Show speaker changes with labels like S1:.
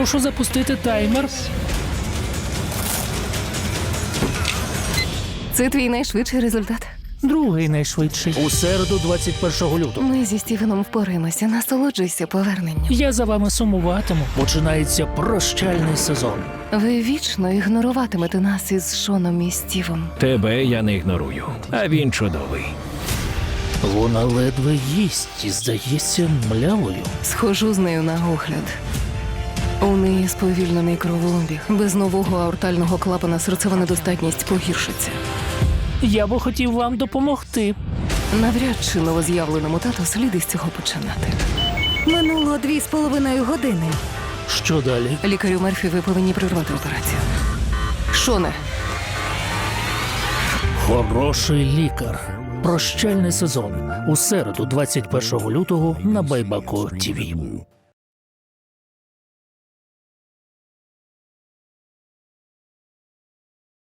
S1: Прошу запустити таймер.
S2: Це твій найшвидший результат.
S1: Другий найшвидший. У середу, 21 лютого.
S2: Ми зі Стівеном впораємося. Насолоджуйся поверненням.
S1: Я за вами сумуватиму. Починається прощальний сезон.
S2: Ви вічно ігноруватимете нас із Шоном і Стівом.
S3: Тебе я не ігнорую, а він чудовий.
S1: Вона ледве їсть і здається млявою.
S2: Схожу з нею на огляд. У неї сповільнений кровообіг. Без нового аортального клапана серцева недостатність погіршиться.
S1: Я би хотів вам допомогти.
S2: Навряд чи новоз'явленому тату слід із цього починати.
S4: Минуло 2,5 години.
S1: Що далі?
S2: Лікарю Мерфі, ви повинні прервати операцію. Шоне,
S1: Хороший лікар. Прощальний сезон. У середу, 21 лютого на Байбако ТІВІ.